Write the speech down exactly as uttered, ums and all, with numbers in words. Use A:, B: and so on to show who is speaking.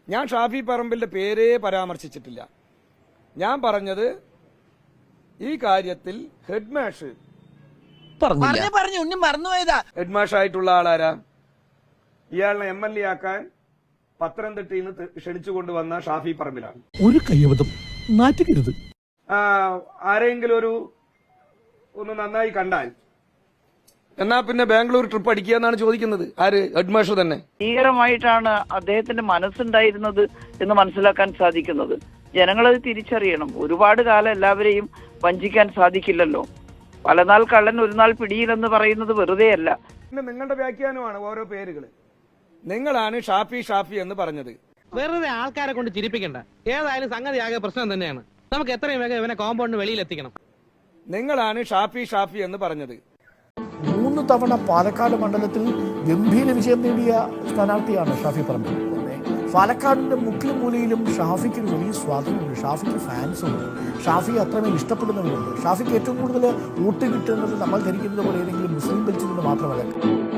A: ഞാൻ ഷാഫി പറമ്പിലിന്റെ പേരേ പരാമർശിച്ചിട്ടില്ല. ഞാൻ പറഞ്ഞത് ഈ കാര്യത്തിൽ ഹെഡ്മാഷ് ഹെഡ്മാഷായിട്ടുള്ള ആളാരാ? ഇയാളെ എം എൽ എ ആക്കാൻ പത്തനംതിട്ടയിൽ നിന്ന് ക്ഷണിച്ചുകൊണ്ടുവന്ന ഷാഫി പറമ്പിലാണ്.
B: ഒരു കയ്യബദ്ധം നാറ്റുകരുത്.
A: ആരെങ്കിലും ഒരു ഒന്ന് നന്നായി കണ്ടാൽ എന്നാ പിന്നെ ബാംഗ്ലൂർ ട്രിപ്പ് അടിക്കുക എന്നാണ് ചോദിക്കുന്നത്. ആര്? ഹെഡ്മാഷ് തന്നെ.
C: ഭീകരമായിട്ടാണ് അദ്ദേഹത്തിന്റെ മനസ്സുണ്ടായിരുന്നത് എന്ന് മനസ്സിലാക്കാൻ സാധിക്കുന്നത്. ജനങ്ങളത് തിരിച്ചറിയണം. ഒരുപാട് കാലം എല്ലാവരെയും വഞ്ചിക്കാൻ സാധിക്കില്ലല്ലോ. പലനാൾ കള്ളൻ ഒരു നാൾ പിടിയിലെന്ന് പറയുന്നത് വെറുതെയല്ല.
A: പിന്നെ നിങ്ങളുടെ വ്യാഖ്യാനമാണ് ഓരോ പേരുകൾ. നിങ്ങളാണ് ഷാഫി ഷാഫി എന്ന് പറഞ്ഞത്.
D: വെറുതെ ആൾക്കാരെ കൊണ്ട് ചിരിപ്പിക്കണ്ട. ഏതായാലും സംഗതി ആകെ പ്രശ്നം തന്നെയാണ്. നമുക്ക് എത്രയും വേഗം ഇവനെ കോമ്പൗണ്ടിന് വെളിയിൽ എത്തിക്കണം.
A: നിങ്ങളാണ് ഷാഫി ഷാഫി എന്ന് പറഞ്ഞത്.
B: മൂന്ന് തവണ പാലക്കാട് മണ്ഡലത്തിൽ ഗംഭീര വിജയം നേടിയ സ്ഥാനാർത്ഥിയാണ് ഷാഫി പറമ്പിൽ. പാലക്കാടിന്റെ മുക്കിലും മൂലയിലും ഷാഫിക്ക് ഒരു വലിയ സ്വാധീനമുണ്ട്. ഷാഫിക്ക് ഫാൻസുണ്ട്. ഷാഫിയെ അത്രമേൽ ഇഷ്ടപ്പെടുന്നവരുണ്ട്. ഷാഫിക്ക് ഏറ്റവും കൂടുതൽ വോട്ട് കിട്ടുന്നത് നമ്മൾ ധരിക്കുന്നത് പോലെ ഏതെങ്കിലും മുസ്ലിം ബെൽറ്റിൽ നിന്ന് മാത്രമല്ല.